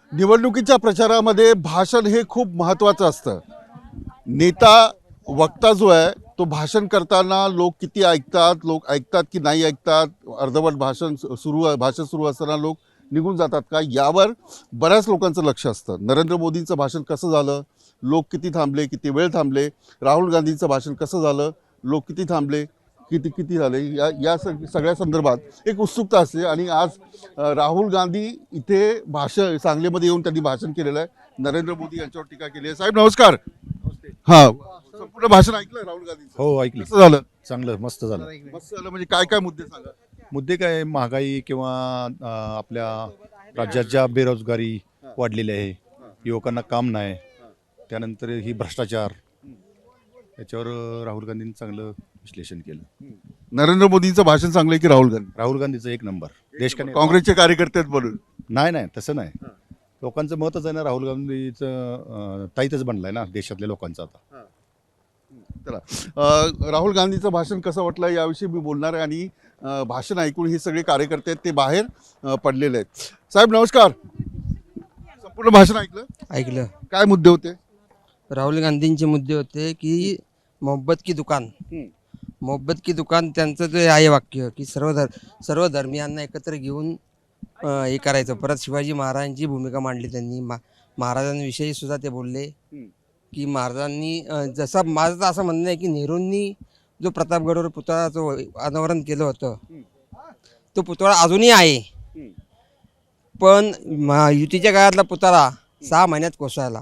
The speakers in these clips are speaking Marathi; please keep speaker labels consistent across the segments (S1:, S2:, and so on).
S1: निवडणुकीच्या प्रचारामध्ये भाषण हे खूप महत्त्वाचं असतं. नेता वक्ता जो आहे तो भाषण करताना लोक किती ऐकतात, लोक ऐकतात की नाही ऐकतात, अर्धवट भाषण सुरू असताना लोक निघून जातात का, यावर बऱ्याच लोकांचं लक्ष असतं. नरेंद्र मोदींचं भाषण कसं झालं, लोक किती थांबले, किती वेळ थांबले, राहुल गांधींचं भाषण कसं झालं, लोक किती थांबले, किती किती झाले, या सगळ्या संदर्भात एक उत्सुकता असते. आणि आज राहुल गांधी इथे सांगलीमध्ये येऊन त्यांनी भाषण केलेलं आहे. नरेंद्र मोदी यांच्यावर टीका केली आहे. साहेब नमस्कार. हा, संपूर्ण भाषण ऐकलं राहुल गांधींचं?
S2: हो ऐकलं.
S1: कसं झालं?
S2: चांगलं, मस्त झालं.
S1: मस्त झालं म्हणजे काय काय मुद्दे सांगा.
S2: मुद्दे काय, महागाई किंवा आपल्या राज्यात ज्या बेरोजगारी वाढलेली आहे, युवकांना काम नाही, त्यानंतर ही भ्रष्टाचार, याच्यावर राहुल गांधींनी चांगलं विश्लेषण केलं.
S1: नरेंद्र मोदींचं भाषण चांगलं आहे की राहुल गांधी?
S2: राहुल गांधीचं एक नंबर. देश का
S1: काँग्रेसचे कार्यकर्ते आहेत म्हणून?
S2: नाही, तसं नाही. लोकांचं मतच आहे ना, राहुल गांधीचं ताईतच बनलाय ना देशातल्या लोकांचं आता.
S1: चला, राहुल गांधीचं भाषण कसं वाटलं याविषयी मी बोलणार आहे. आणि भाषण ऐकून हे सगळे कार्यकर्ते आहेत ते बाहेर पडलेले आहेत. साहेब नमस्कार. संपूर्ण भाषण
S3: ऐकलं.
S1: काय मुद्दे होते?
S3: राहुल गांधींचे मुद्दे होते की मोहब्बत की दुकान त्यांचं जे आहे वाक्य की सर्व धर्मियांना एकत्र घेऊन हे करायचं. परत शिवाजी महाराजांची भूमिका मांडली त्यांनी. महाराजांविषयी सुद्धा ते बोलले की महाराजांनी जसं माझं असं म्हणणं आहे की नेहरूंनी जो प्रतापगडवर पुतळ्याचं अनावरण केलं होतं तो पुतळा अजूनही आहे, पण युतीच्या काळातला पुतळा 6 महिन्यात कोसळला.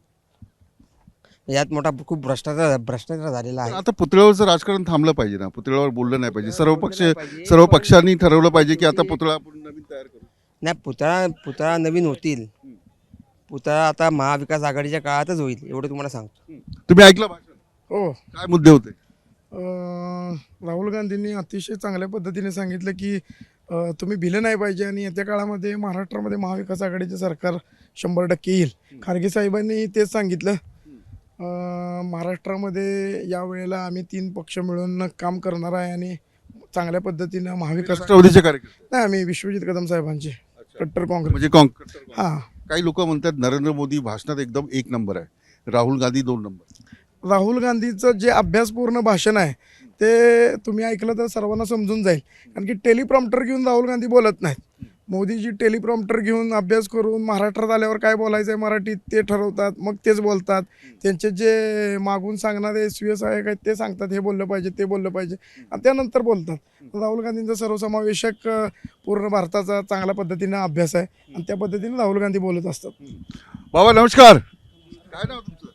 S3: यात मोठा खूप भ्रष्टाचार झालेला आहे.
S1: आता पुतळ्यावरचं राजकारण थांबलं पाहिजे ना, पुतळ्यावर बोललं नाही पाहिजे. सर्व पक्षांनी ठरवलं पाहिजे की आता पुतळा आपण नवीन तयार करू.
S3: नाही, पुतळा नवीन होतील. पुतळा आता महाविकास आघाडीच्या काळातच होईल, एवढं तुम्हाला सांगतो.
S1: तुम्ही ऐकलं भाषण?
S4: हो.
S1: काय मुद्दे होते?
S4: राहुल गांधींनी अतिशय चांगल्या पद्धतीने सांगितलं की तुम्ही भिले नाही पाहिजे आणि येत्या काळामध्ये महाराष्ट्रामध्ये महाविकास आघाडीचे सरकार 100% येईल. खारगे साहेबांनी तेच सांगितलं. महाराष्ट्रामध्ये यावेळेला आम्ही 3 पक्ष मिळून काम करणार आहे आणि चांगल्या पद्धतीनं महाविकास
S1: राष्ट्रवादीचे कार्यकर्ते?
S4: नाही, आम्ही विश्वजित कदम साहेबांचे कट्टर काँग्रेस.
S1: म्हणजे काँग्रेस.
S4: हां,
S1: काही लोक म्हणतात नरेंद्र मोदी भाषणात एकदम 1 नंबर आहे, राहुल गांधी 2 नंबर.
S4: राहुल गांधीचं जे अभ्यासपूर्ण भाषण आहे ते तुम्ही ऐकलं तर सर्वांना समजून जाईल. कारण की टेलिप्रॉम्प्टर घेऊन राहुल गांधी बोलत नाहीत. मोदीजी टेलिप्रॉम्प्टर घेऊन अभ्यास करून महाराष्ट्रात आल्यावर काय बोलायचं आहे मराठीत ते ठरवतात, मग तेच बोलतात. त्यांचे जे मागून सांगणारे SVSI आहेत ते सांगतात हे बोललं पाहिजे, ते बोललं पाहिजे, आणि त्यानंतर बोलतात. राहुल गांधींचा सर्वसमावेशक पूर्ण भारताचा चांगल्या पद्धतीनं अभ्यास आहे आणि त्या पद्धतीने राहुल गांधी बोलत असतात.
S1: बाबा नमस्कार. काय नाव तुमचं?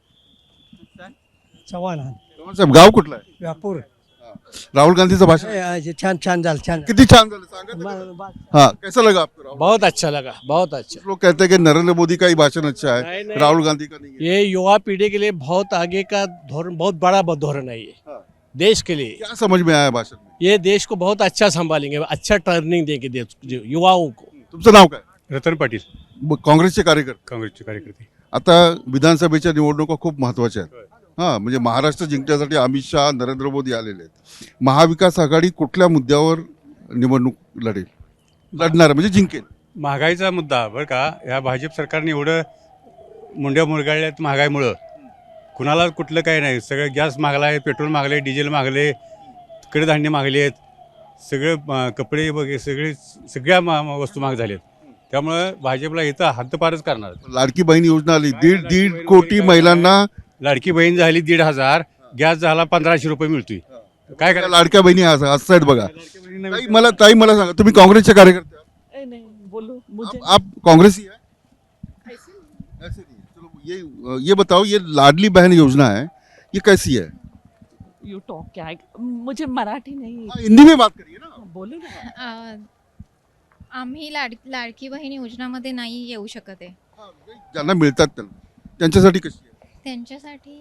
S5: चव्हाण.
S1: चव्हाण साहेब, गाव कुठलं आहे?
S5: व्यापूर.
S1: राहुल गांधीचं भाषण
S5: छान झालं, छान.
S1: किती छान झालं सांगा. हाँ, कैसा लगा आपको? राहुल?
S5: बहुत अच्छा लगा, बहुत अच्छा.
S1: कुछ लोग कहते हैं कि नरेंद्र मोदी का ही भाषण अच्छा है,
S5: नहीं, नहीं।
S1: राहुल गांधी का नहीं है।
S5: ये युवा पीढ़ी के लिए बहुत आगे का धोरण, बहुत बड़ा धोरण है ये
S1: हाँ।
S5: देश के लिए.
S1: क्या समझ में आया भाषण में?
S5: ये देश को बहुत अच्छा संभालेंगे, अच्छा टर्निंग देंगे देश युवाओं को.
S1: तुमचं नाव काय?
S6: रतन पाटील,
S1: काँग्रेसचे कार्यकर्ते.
S6: काँग्रेसचे कार्यकर्ते.
S1: आता विधानसभेच्या निवडणुका खूप महत्त्वाच्या आहेत. हां, म्हणजे महाराष्ट्र जिंकण्यासाठी अमित शहा, नरेंद्र मोदी आलेले आहेत. महाविकास आघाडी कुठल्या मुद्द्यावर निवडणूक लढणार म्हणजे जिंकेल?
S6: महागाईचा मुद्दा बरं का. या भाजप सरकारने एवढं मुंड्या मुरगाळल्यात महागाईमुळं. कुणाला कुठलं काही नाही. सगळं गॅस मागला आहे, पेट्रोल मागले, डिझेल मागले, कडधान्य मागले आहेत, सगळे कपडे वगैरे सगळ्या वस्तू महाग झाल्यात. त्यामुळं भाजपला इथं हद्दपारच करणार.
S1: लाडकी बहीण योजना आली, दीड कोटी महिलांना.
S6: लाडकी बहीण झाली 1,500, गॅस झाला 1,500 रुपये मिळतोय. काय करायला
S1: लाडक्या बहिणी असतात बघा.
S6: लाडक्या बहिणींना
S1: ताई मला सांगा, तुम्ही काँग्रेसचे कार्यकर्ते आहात?
S7: नहीं बोलो मुझे
S1: आप कांग्रेसी है?
S7: ऐसे नहीं।
S1: ऐसे नहीं। चलो ये बताओ, ये लाडली बहन योजना है, ये कैसी है?
S7: यू टॉक क्या है, मुझे मराठी नहीं.
S1: हाँ, हिंदी में बात करिए ना.
S7: बोलो ना.
S8: आम्ही लाडकी बहीण योजनामध्ये नाही येऊ शकत आहे.
S1: ज्यांना मिळतात त्यांच्यासाठी कशी आहे?
S8: त्यांच्यासाठी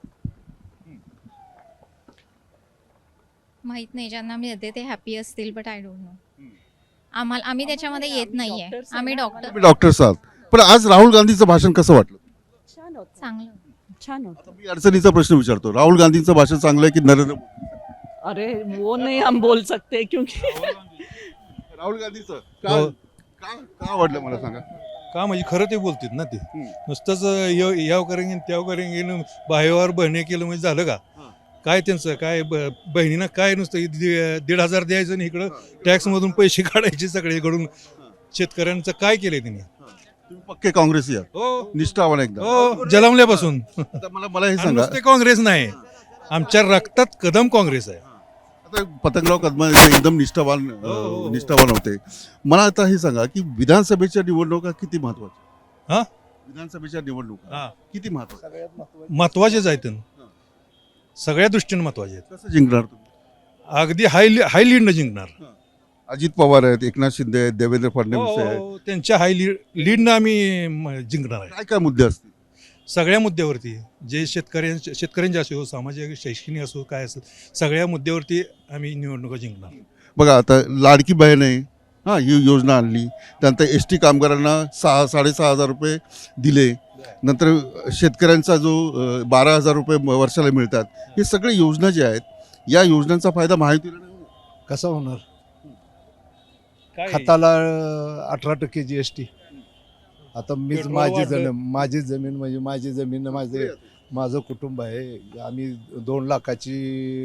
S8: माहित नाही. ज्यांना मिळते ते हॅपी असतील, बट आय डोंट नो. आम्ही त्याच्यामध्ये येत नाहीये. आम्ही डॉक्टर.
S1: तुम्ही डॉक्टर्स आहात. पण आज राहुल गांधीचं भाषण कसं वाटलं?
S7: छान होतं,
S8: चांगलं.
S7: छान होतं.
S1: मी अडचणीचा प्रश्न विचारतो, राहुल गांधींचं भाषण चांगलं आहे की नरेंद्र मोदी?
S7: अरे वो नहीं हम बोल सकते क्योंकि
S1: राहुल गांधीचं का आवडलं मला सांगा.
S9: का म्हणजे खरं ते बोलतात ना ते नुसतंच याव करेंगे त्याव करेंगे बाहेर बहणे केलं म्हणजे झालं का काय त्यांचं काय बहिणीनं काय नुसतं 1,500 द्यायचं आणि इकडं टॅक्समधून पैसे काढायचे सगळीकडून शेतकऱ्यांचं काय केलंय त्यांनी
S1: तुम्ही पक्के काँग्रेसी आहात,
S9: हो
S1: निष्ठावान एकदम.
S9: हो जलमल्यापासून
S1: आता मला हे
S9: आणि
S1: सांगा,
S9: नुसते काँग्रेस नाही आमच्या रक्तात कदम काँग्रेस आहे.
S1: आता पतंगराव कदम एकदम निष्ठावान होते. मला आता हे सांगा की विधानसभेच्या निवडणुका किती महत्वाच्या?
S9: हा?
S1: विधानसभेच्या निवडणुका
S9: हा.
S1: किती महत्वाच्या?
S9: महत्वाचेच आहेत सगळ्या दृष्टीने महत्वाचे आहेत.
S1: कसं जिंकणार तुम्ही?
S9: अगदी हाय लीडनं जिंकणार.
S1: अजित पवार आहेत, एकनाथ शिंदे आहेत, देवेंद्र फडणवीस आहेत.
S9: हो, त्यांच्या हाय लीडनं आम्ही जिंकणार आहे.
S1: काय काय मुद्दे असतील?
S9: सगळ्या मुद्द्यावरती जे शेतकऱ्यांचे असो, सामाजिक शैक्षणिक असो, काय असेल सगळ्या मुद्द्यावरती आम्ही निवडणुका जिंकणार.
S1: बघा आता लाडकी बहीण आहे, हां, ही योजना आणली. त्यानंतर ST कामगारांना 6,500 रुपये दिले. नंतर शेतकऱ्यांचा जो 12,000 रुपये वर्षाला मिळतात, हे सगळे योजना जे आहेत या योजनांचा फायदा महायुतीला नाही होणार.
S2: कसं होणार?
S9: काय?
S2: खताला 18% GST. आता मीच
S9: पेट्रोल
S2: माझी
S9: वाढलं.
S2: माझी जमीन म्हणजे माझं कुटुंब आहे. आम्ही 2 लाखाची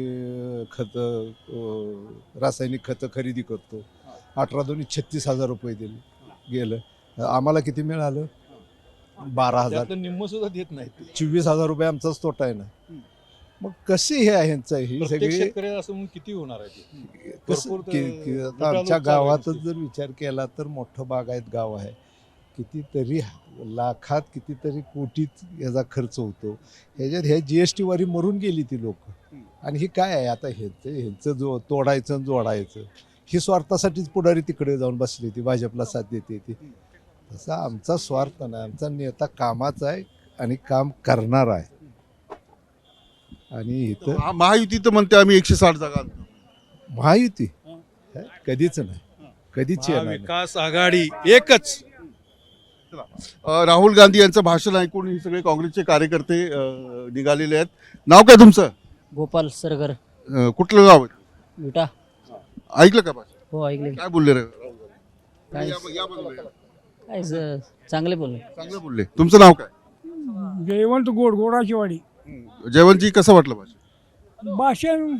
S2: रासायनिक खतं खरेदी करतो. 18 36,000 रुपये गेलं. आम्हाला किती मिळालं? 12,000.
S9: त्यातलं निम्म सुद्धा देत नाही.
S2: 24,000 रुपये आमचाच तोटा आहे ना. मग कसे हे आहे ह्यांचं ही
S9: प्रत्येक
S2: सगळी
S9: शेतकऱ्याला असं म्हणून किती होणार आहे ते?
S2: कसं
S9: भरपूर
S2: आता
S9: लुटालूट
S2: आमच्या
S9: चालू आहे
S2: गावातच
S9: नुसती.
S2: जर विचार केला तर मोठं बागायत गाव आहे. कितीतरी लाखात कितीतरी कोटीत याचा खर्च होतो. ह्याच्यात ह्या GST वारी मरून गेली ती लोक. आणि ही काय आहे आता ह्यांचं जो तोडायचं आणि जोडायचं ही स्वार्थासाठीच पुढारी तिकडे जाऊन बसली ती भाजपला साथ देते ती. तसा आमचा स्वार्थ नाही. आमचा नेता कामाचा आहे आणि काम करणार आहे. आणि इथं
S1: महायुती तर म्हणते आम्ही 160 जागा आणतो.
S2: महायुती कधीच नाही, कधीच येणार नाही.
S9: महाविकास आघाडी एकच.
S1: राहुल गांधी यांचं भाषण ऐकून हे सगळे काँग्रेसचे कार्यकर्ते निघालेले आहेत. नाव काय तुमचं?
S10: गोपाल सरगर
S1: कुठलं गाव आहे?
S10: विटा.
S1: ऐकलं का भाषण?
S10: हो ऐकले.
S1: काय बोलले रे राहुल
S10: काय
S1: गांधी? या बाजूला या.
S10: काय चांगले बोलले.
S1: चांगलं बोलले. तुमचं नाव काय?
S11: जयवंत गोडाची वाडी.
S1: जयवंतजी, कसं वाटलं भाषण?
S11: भाषण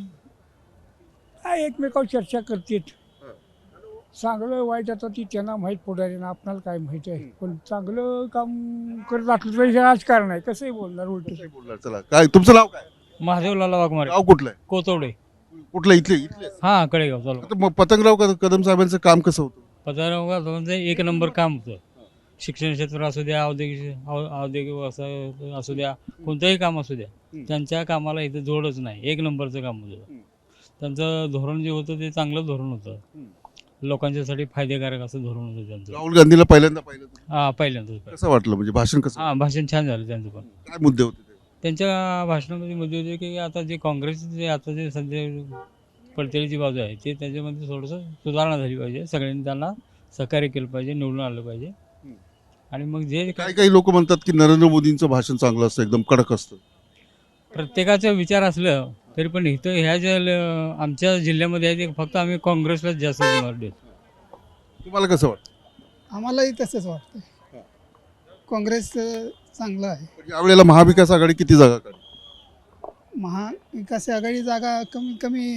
S11: काय एकमेकावर चर्चा करतात. चांगलं वाईट आता ती त्यांना माहीत पुढाऱ्यांना, आपणाला काय माहीत आहे. पण चांगलं काम करत असलं तरी हे राजकारण आहे. कसंही बोलणार उलट.
S1: काय बोलणार? चला, काय तुमचं नाव काय?
S10: महादेवलाला वाघमारे.
S1: गाव कुठलं आहे?
S10: कोतवडे.
S1: कुठलं? इथले?
S10: हा कडेगाव चालू.
S1: आता मग पतंगराव कदम साहेबांचं काम कसं होतं?
S10: पदार्थ एक नंबर काम होतं. शिक्षण क्षेत्र असू द्या, औद्योगिक व्यवसाय असू द्या, कोणतंही काम असू द्या, त्यांच्या कामाला इथं जोडच नाही. एक नंबरचं काम होतं. त्यांचं धोरण जे होतं ते चांगलं धोरण होतं. लोकांच्यासाठी फायदेकारक असं धोरण होतं त्यांचं.
S1: राहुल गांधीला पहिल्यांदा पाहिलं तुम्ही?
S10: हा पहिल्यांदाच.
S1: कसं वाटलं? म्हणजे भाषण कसं?
S10: हा भाषण छान झालं त्यांचं. पण
S1: काय मुद्दे होते ते?
S10: त्यांच्या भाषणामध्ये मुद्दे होते की आता जे काँग्रेसचे जे आता जे सध्या पडतेली बाजू आहे ते त्याच्यामध्ये थोडंसं सुधारणा झाली पाहिजे. सगळ्यांनी त्यांना सहकार्य केलं पाहिजे, निवडून आलं पाहिजे. आणि मग जे
S1: काही लोक म्हणतात की नरेंद्र मोदींचं भाषण चांगलं असतं, एकदम कडक असतं.
S10: प्रत्येकाचा विचार असलं तरी पण इथं ह्या ज्या आमच्या जिल्ह्यामध्ये आहे ते फक्त आम्ही काँग्रेसलाच जास्त निवड देतो.
S1: तुम्हाला कसं वाटतं?
S11: आम्हालाही तसंच वाटतं. काँग्रेस चांगलं आहे.
S1: यावेळेला महाविकास आघाडी किती जागा काढली?
S11: महाविकास आघाडी जागा कमी कमी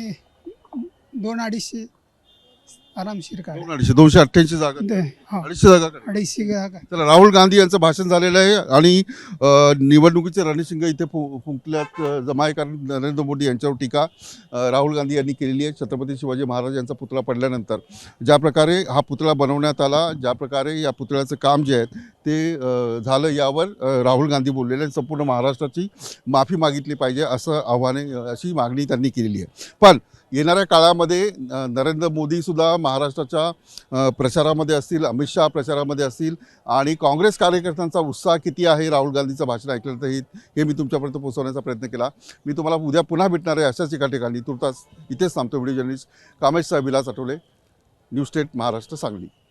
S11: 200-250 आरामशीर काढ.
S1: 288 जागा, 250 जागा काढली.
S11: 250 जागा.
S1: चला, राहुल गांधी यांचं भाषण झालेलं आहे आणि निवडणुकीचे रणशिंग इथे फुंकल्यात जमाय, कारण नरेंद्र मोदी यांच्यावर टीका राहुल गांधी यांनी केलेली आहे. छत्रपती शिवाजी महाराज यांचा पुतळा पडल्यानंतर ज्या प्रकारे हा पुतळा बनवण्यात आला, ज्या प्रकारे या पुतळ्याचं काम जे आहे ते झालं, यावर राहुल गांधी बोललेले. संपूर्ण महाराष्ट्राची माफी मागितली पाहिजे असं आव्हाने, अशी मागणी त्यांनी केलेली आहे. पण येणाऱ्या काळामध्ये नरेंद्र मोदीसुद्धा महाराष्ट्राच्या प्रचारामध्ये असतील, अमित शहा प्रचारामध्ये असतील, आणि काँग्रेस कार्यकर्त्यांचा उत्साह किती आहे राहुल गांधीचं भाषण ऐकल्यानंतर हे मी तुमच्यापर्यंत पोहोचवण्याचा प्रयत्न केला. मी तुम्हाला उद्या पुन्हा भेटणार आहे अशाच एका ठिकाणी. तुर्तास इथेच थांबतो. व्हिडिओ जर्नलिस्ट कामेश साहेब, विलास आठवले, न्यूज स्टेट महाराष्ट्र, सांगली.